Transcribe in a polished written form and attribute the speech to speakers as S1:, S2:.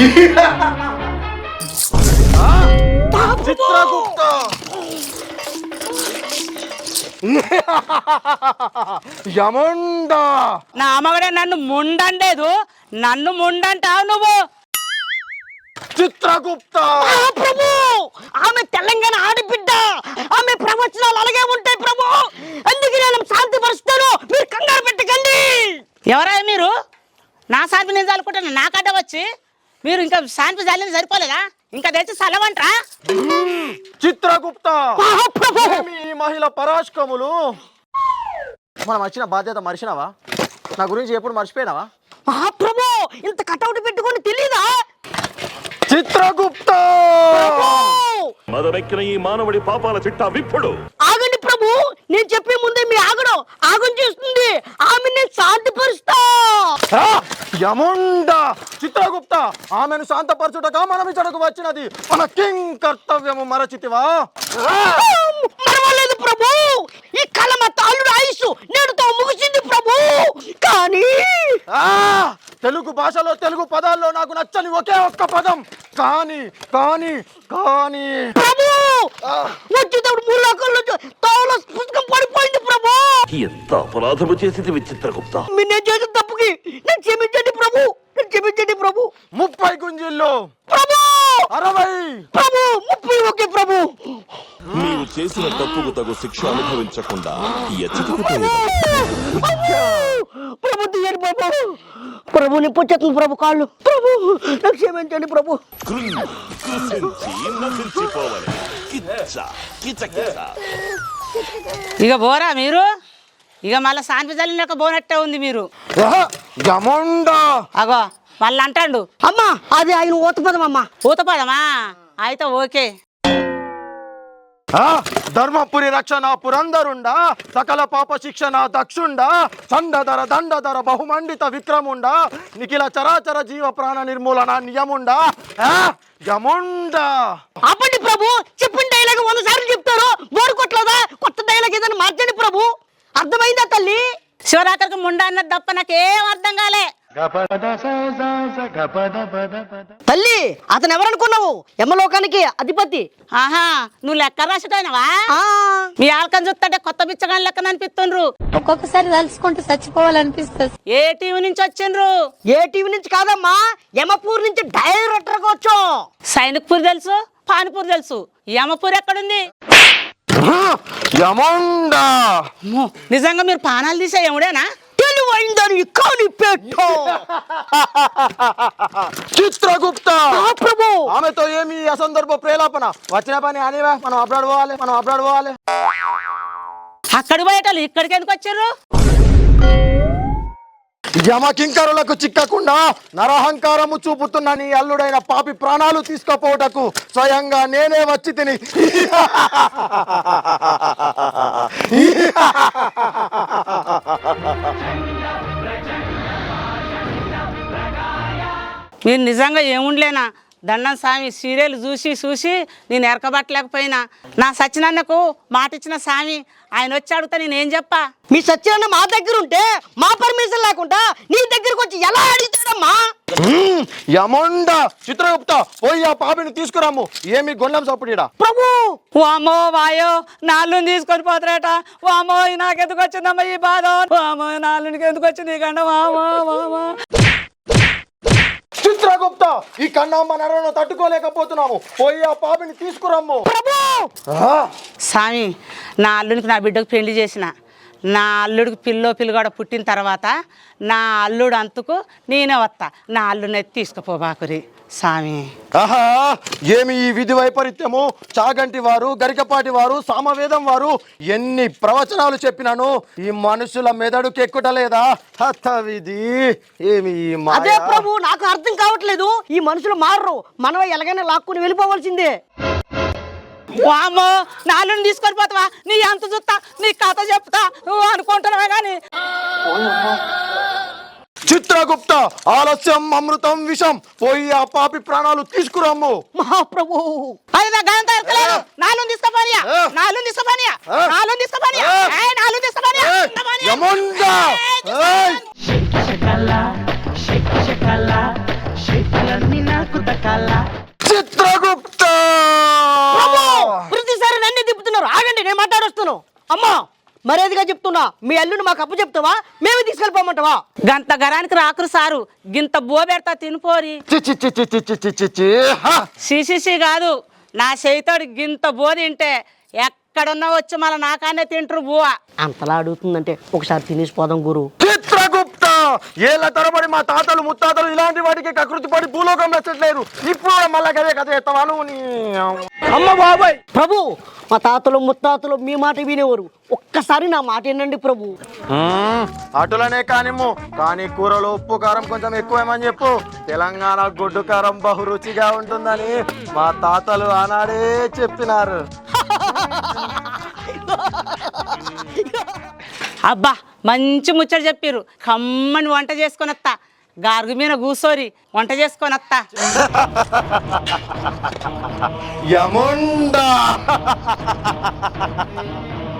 S1: చిత్రగుప్త యముండ
S2: నా అమ్మగడే నన్ను ముండలేదు, నన్ను ముండంటావు నువ్వు.
S1: చిత్రగుప్త
S3: ప్రభు, ఆమె తెలంగాణ ఆడబిడ్డ, ఆమె ప్రవచనాలు అలాగే ఉంటాయి ప్రభు. అందుకే నేను శాంతి పరుస్తాను, మీరు కంగారు పెట్టకండి.
S2: ఎవరా మీరు? నా శాంతి నేను చల్లుకుంటాను, నాకడ్డ వచ్చి మీరు ఇంకా శాంతి చల్లింది సరిపోలేదా? ఇంకా తెచ్చి చల్లవంటరా?
S1: చిత్రగుప్త
S3: మహాప్రభు,
S1: ఈ మహిళ పరాష్కములు మనం వచ్చిన బాధ్యత మర్చినావా? నా గురించి ఎప్పుడు మర్చిపోయినావా?
S3: మహాప్రభు, ఇంత కటౌట్ పెట్టుకొని తెలీదా?
S1: చిత్రగుప్త
S4: మదమెక్కిన ఈ మానవుడి పాపాల చిట్టా విప్పుడు.
S3: ఆగండి ప్రభు, నేను చెప్పే ముందే మీ ఆగం చేస్తుంది. ఆమె నేను శాంతిపరుస్తా.
S1: యముండ చిత్రగుప్త ఆమెను శాంతపరచుటగా మనం ఇచ్చటకు వచ్చినది. మన కింగ్ కర్తవ్యము మరచితివా?
S3: మరవలేదు ప్రభు, ఈ కలమ తాళుడు ఆయుష్ నేడుతో ముగిసింది ప్రభు. కానీ
S1: తెలుగు భాషలో తెలుగు పదాల్లో నాకు నచ్చని ఒకే ఒక్క పదం కానీ కానీ కానీ
S3: ప్రభు, వచ్చేటప్పుడు మూడు లోకల్లో తోల పుస్తకం పడిపోయింది ప్రభు.
S4: ఎంత అపరాధము చేసింది చిత్రగుప్త.
S3: మీరు నేను చేసిన తప్పుకి నేను క్షమించండి ప్రభు, నేను క్షమించండి ప్రభు.
S1: 30 గుంజిల్లో
S3: ప్రభు
S1: 60
S3: ప్రభు 30 ఓకే ప్రభు.
S4: నీవు చేసిన తప్పుకు తగు శిక్ష అనుభవించకుండా
S3: ప్రభు తీయండి ప్రభు, ప్రభు నిప్పొచ్చేస్తుంది ప్రభు కాళ్ళు. ప్రభు నాకు క్షమించండి ప్రభు.
S2: ఇక పోరా మీరు? ఇక మళ్ళీ శాంతి చల్లినాక పోనట్టే ఉంది మీరు.
S1: యముండ
S2: అగో మళ్ళీ అంటాడు.
S3: అమ్మా అది ఆయన ఊతపదం అమ్మా.
S2: ఊతపదమా? అయితే ఓకే.
S1: ధర్మపురి రక్షణ పురందరుండా, సకల పాప శిక్షణ దక్షుండా, చండధర దండధర బహుమండిత విక్రముండా, నిఖిల చరాచర జీవ ప్రాణ నిర్మూలన నియముండా యముండ.
S3: అప్పటి ప్రభు చెప్పిన డైలాగ్ 100 సార్లు చెప్తారు, బోరు కొట్టలేదా? కొత్త డైలాగ్ ఏదైనా మార్చండి ప్రభు. అర్థమైందా తల్లి?
S2: శివరాత్రికి ముండా అన్నది తప్ప నాకేం అర్థం కాలే.
S3: తల్లి అతను ఎవరనుకున్నావు? యమలోకానికి అధిపతి.
S2: ఆహా, నువ్వు లెక్క రాసుటైనవా? మీ ఆల్కని చూస్తుంటే కొత్త బిచ్చగాని లెక్కన అనిపిస్తుండ్రు.
S5: ఒక్కొక్కసారి తలుచుకుంటూ చచ్చిపోవాలనిపిస్తుంది.
S2: ఏ టీవీ నుంచి వచ్చిండ్రు?
S3: ఏ టీవీ నుంచి కాదమ్మా, యమపూర్ నుంచి డైరెక్టర్ గా వచ్చాం.
S2: సైనిక్పూర్ తెలుసు, పానిపూర్ తెలుసు, యమపూర్ ఎక్కడుంది?
S1: యముండ
S2: నిజంగా మీరు పానాలు తీసే యముడేనా?
S3: తెలివైందని కాని పెట్టు.
S1: చిత్రగుప్త
S3: ప్రభు,
S1: ఆమెతో ఏమి అసందర్భ ప్రేలాపన? వచ్చిన పని అనివా, మనం అబ్రాడ్ పోవాలి.
S2: అక్కడికి పోయేటోళ్ళు ఇక్కడికి ఎందుకు వచ్చారు?
S1: యమకింకరులకు చిక్కకుండా నరహంకారము చూపుతున్న నీ అల్లుడైన పాపి ప్రాణాలు తీసుకుపోవటకు స్వయంగా నేనే వచ్చి తిని.
S2: మీరు నిజంగా ఏముండలేనా? దండం స్వామి సీరియల్ చూసి నేను ఎరకబట్టలేకపోయినా. నా సత్యనాన్నకు మాట ఇచ్చిన స్వామి ఆయన వచ్చి అడుగుతా నేనేం చెప్పా?
S3: మీ సత్యనారాయణ మా దగ్గర ఉంటే మా పర్మిషన్ లేకుండా నీ దగ్గరకు వచ్చి ఎలా అడుగుతాడమ్మా?
S1: యముండ చిత్రగుప్త పోయి ఆ పాపిని తీసుకురాము. ఏమి గొల్లం సప్పుడా?
S3: ప్రభు
S2: వామో వాయో నాలుగుని తీసుకొని పోతారట. వామో నాకెందుకు వచ్చిందమ్మా ఈ బాధ? వామో నాలుగునికి ఎందుకు వచ్చింది ఈ గండ? వామో
S1: చిత్రగుప్త ఈ కన్నమ్మ నరను తట్టుకోలేకపోతున్నాము. పోయి ఆ పాపిని తీసుకురమ్ము.
S2: స్వామి నా అల్లుడికి నా బిడ్డకు పెళ్లి చేసిన, నా అల్లుడికి పిల్లగాడ పుట్టిన తర్వాత నా అల్లుడు అంతకు నేనే వస్తా. నా అల్లుడిని తీసుకుపోబాకురి స్వామి.
S1: ఆహా ఏమి ఈ విధి వైపరీత్యము! చాగంటి వారు, గరికపాటి వారు, సామవేదం వారు ఎన్ని ప్రవచనాలు చెప్పినాను, ఈ మనుషుల మెదడుకి ఎక్కుటలేదా? హత విధి ఏమి
S3: అదే ప్రభు, నాకు అర్థం కావట్లేదు. ఈ మనుషులు మారరు, మనం ఎలాగైనా లాక్కుని వెళ్ళిపోవాల్సిందే.
S2: వామో నాలుగుని తీసుకొని పోతావా? నీ అంత చూస్తా, నీ కథ చెప్తా నువ్వు అనుకుంటున్నావే కానీ.
S1: చిత్రగుప్త ఆలస్యం అమృతం విషం. పోయి ఆ పాపి ప్రాణాలు తీసుకురమ్ము.
S3: మహాప్రభు
S2: నాలుగు తీసుకుపోనియా, నాలుగు తీసుకుపోనియా, నాలుగు తీసుకుపోనియా, నాలుగు తీసుకుపోనియా.
S6: నాకు
S1: చిత్రగుప్త
S3: ప్రతిసారి నన్ను తిప్పుతున్నారు. ఆగండి, నేను మాట్లాడొస్తాను. అమ్మా, మర్యాదగా చెప్తున్నా, మీ అల్లుని మాకు అప్పు చెప్తావా, మేమే తీసుకెళ్ళిపోమంటావా?
S2: గంత గరానికి రాకురు సారు, గింత బో పెడతా తినిపోరి.
S1: చి చి చి చి చి చి చి చి చి. హ!
S2: సిసిసి కాదు, నా చేయితోడు గింత బో తింటే ఎక్కడున్నా వచ్చి మళ్ళీ నాకానే తింటారు బువ.
S3: అంతలా అడుగుతుందంటే ఒకసారి తినేసిపోదాం గురు.
S1: చిత్రగుప్త ఏళ్ళ తరబడి మా తాతలు ముత్తాతలు ఇలాంటి వాటికి కకృతి పడి భూలోకం మెచ్చట్లేదు. ఇప్పుడు కూడా మళ్ళా కదే కథ ఎత్తవాను నీ
S3: అమ్మ బాబాయ్. ప్రభు, మా తాతలు ముత్తాతలు మీ మాట వినేవారు. ఒక్కసారి నా మాట ఏంటండి ప్రభు.
S1: అటులనే కానిమ్ము, కానీ కూరలో ఉప్పు కారం కొంచెం ఎక్కువేమని చెప్పు. తెలంగాణ గొడ్డు కారం బహు రుచిగా ఉంటుందని మా తాతలు ఆనాడే చెప్పినారు.
S2: అబ్బా, మంచి ముచ్చట చెప్పిర్రు. కమ్మని వంట చేసుకొని వస్తా, గార్గు మీద కూసోరి వంట చేసుకొని వస్తా.
S1: యముండా